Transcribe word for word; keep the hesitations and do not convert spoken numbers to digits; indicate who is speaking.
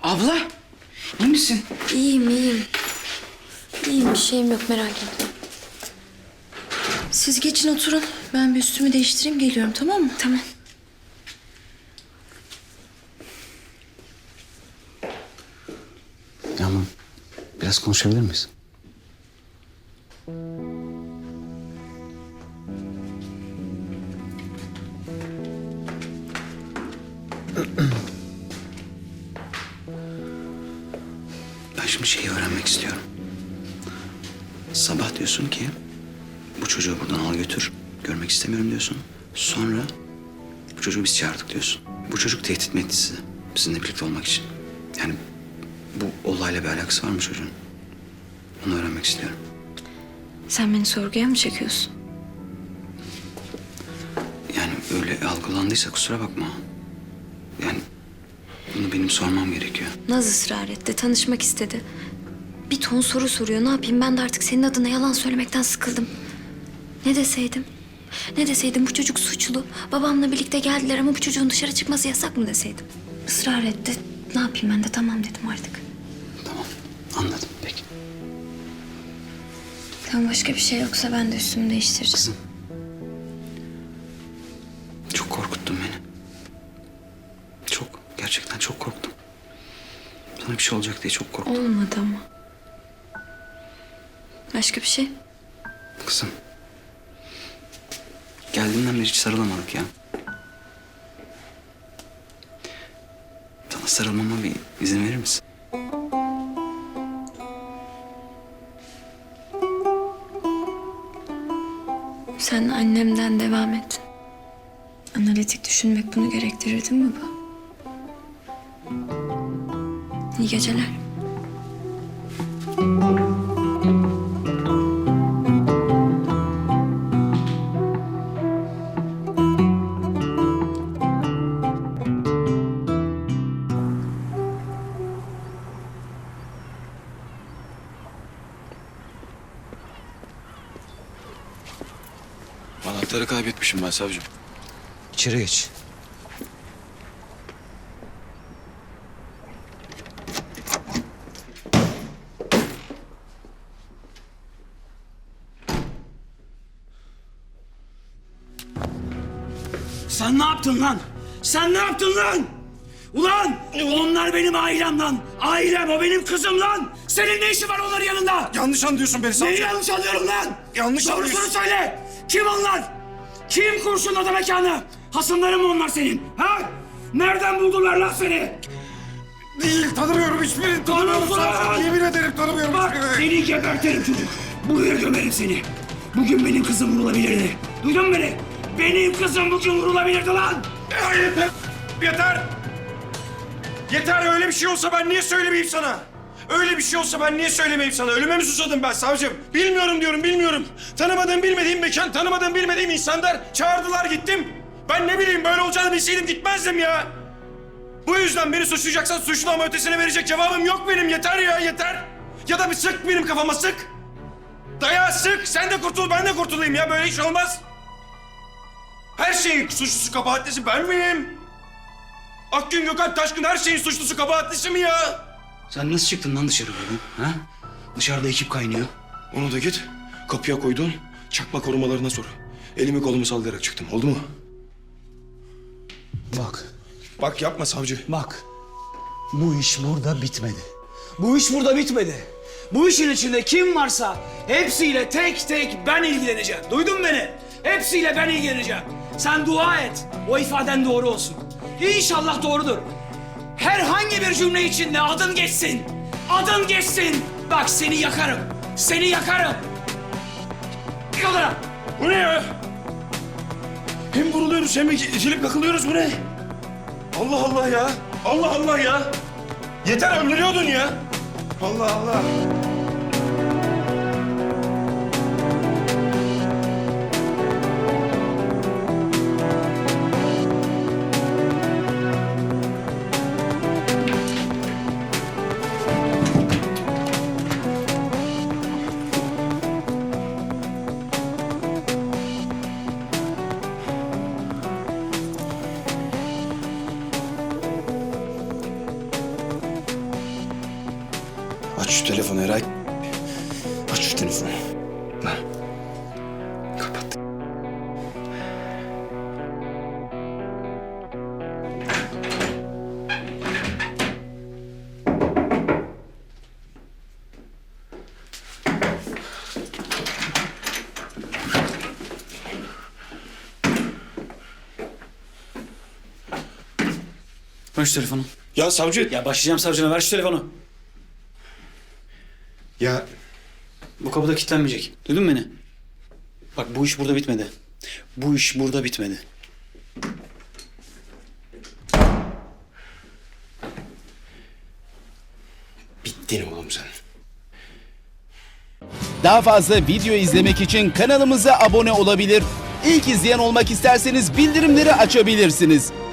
Speaker 1: Abla, iyi misin?
Speaker 2: İyiyim, iyiyim. İyiyim, bir şeyim yok, merak etme.
Speaker 3: Siz geçin oturun. Ben bir üstümü değiştireyim, geliyorum, tamam mı?
Speaker 2: Tamam.
Speaker 1: Yağmur, biraz konuşabilir miyiz? Ben şimdi şeyi öğrenmek istiyorum. Sabah diyorsun ki bu çocuğu buradan al götür. Görmek istemiyorum diyorsun. Sonra bu çocuğu biz çağırdık diyorsun. Bu çocuk tehdit mi etti sizi? Sizinle birlikte olmak için. Yani bu olayla bir alakası var mı çocuğun? Onu öğrenmek istiyorum.
Speaker 2: Sen beni sorguya mı çekiyorsun?
Speaker 1: Yani öyle algılandıysa kusura bakma. Yani bunu benim sormam gerekiyor.
Speaker 2: Naz ısrar etti, tanışmak istedi. Bir ton soru soruyor, ne yapayım? Ben de artık senin adına yalan söylemekten sıkıldım. Ne deseydim? Ne deseydim? Bu çocuk suçlu. Babamla birlikte geldiler ama bu çocuğun dışarı çıkması yasak mı deseydim? Israr etti. Ne yapayım ben de tamam dedim artık.
Speaker 1: Tamam, anladım. Peki.
Speaker 2: Tamam, başka bir şey yoksa ben de üstümü değiştireceğim.
Speaker 1: Kızım. Çok korkuttun beni. Çok, gerçekten çok korktum. Sana bir şey olacak diye çok korktum.
Speaker 2: Olmadı ama. Başka bir şey?
Speaker 1: Kızım. Geldiğinden beri hiç sarılamadık ya. Sana sarılmama bir izin verir misin?
Speaker 2: Sen annemden devam et. Analitik düşünmek bunu gerektirir değil mi bu? İyi geceler.
Speaker 4: Anahtarı kaybetmişim ben savcım.
Speaker 1: İçeri geç.
Speaker 5: Sen ne yaptın lan? Sen ne yaptın lan? Ulan onlar benim ailem lan. Ailem, o benim kızım lan. Senin ne işin var onların yanında?
Speaker 4: Yanlış anlıyorsun beni
Speaker 5: Neyi
Speaker 4: savcım.
Speaker 5: yanlış anlıyorum lan?
Speaker 4: Yanlış
Speaker 5: Doğrusunu
Speaker 4: anlıyorsun.
Speaker 5: söyle. Kim onlar? Kim kurşunladı mekanı? Hasımların mı onlar senin? Ha? Nereden buldular lan seni?
Speaker 4: Değil, tanımıyorum hiçbirini. Tanımıyorum
Speaker 5: Tanıyorsun lan!
Speaker 4: savcım. Yemin ederim tanımıyorum
Speaker 5: Bak
Speaker 4: hiçbirini.
Speaker 5: seni gebertirim çocuk. Buraya gömerim seni. Bugün benim kızım vurulabilirdi. Duydun mu beni? Benim kızım bugün vurulabilirdi lan.
Speaker 4: Ya yeter. Yeter. Yeter, öyle bir şey olsa ben niye söylemeyeyim sana? Öyle bir şey olsa ben niye söylemeyeyim sana? Ölüme mi susadım ben savcım? Bilmiyorum diyorum, bilmiyorum. Tanımadığım, bilmediğim mekan, tanımadığım, bilmediğim insanlar çağırdılar, gittim. Ben ne bileyim, böyle olacağını bilseydim gitmezdim ya. Bu yüzden beni suçlayacaksan suçlu ama ötesine verecek cevabım yok benim. Yeter ya, yeter. Ya da bir sık benim kafama, sık. Dayağı sık, sen de kurtul, ben de kurtulayım ya. Böyle iş olmaz. Her şeyin suçlusu, kabahatlisi ben miyim? Akgün, Gökhan, Taşkın her şeyin suçlusu, kabahatlisi mi ya?
Speaker 1: Sen nasıl çıktın lan dışarı bugün? Ha? Dışarıda ekip kaynıyor.
Speaker 4: Onu da git, kapıya koyduğun çakma korumalarına sor. Elimi kolumu sallayarak çıktım, oldu mu?
Speaker 6: Bak,
Speaker 4: Bak yapma savcı.
Speaker 6: bak. Bu iş burada bitmedi. Bu iş burada bitmedi. Bu işin içinde kim varsa hepsiyle tek tek ben ilgileneceğim. Duydun beni? Hepsiyle ben ilgileneceğim. Sen dua et. O ifaden doğru olsun. İnşallah doğrudur. Herhangi bir cümle içinde adın geçsin. Adın geçsin. Bak seni yakarım. Seni yakarım. Gel odana.
Speaker 4: Bu ne ya? Hem vuruluyoruz hem itilip kakılıyoruz, bu ne? Allah Allah ya. Allah Allah ya. Yeter, öldürüyordun ya. Allah Allah. Aç şu telefonu Eray. Aç şu telefonu.
Speaker 1: Ha. Kapat.
Speaker 6: Ver şu telefonu.
Speaker 4: Ya savcı.
Speaker 6: Ya başlayacağım savcına, ver şu telefonu.
Speaker 4: Ya
Speaker 6: Bu kapıda kilitlenmeyecek. Duydun mu beni? Bak bu iş burada bitmedi. Bu iş burada bitmedi.
Speaker 4: bittin oğlum sen.
Speaker 7: Daha fazla video izlemek için kanalımıza abone olabilir. İlk izleyen olmak isterseniz bildirimleri açabilirsiniz.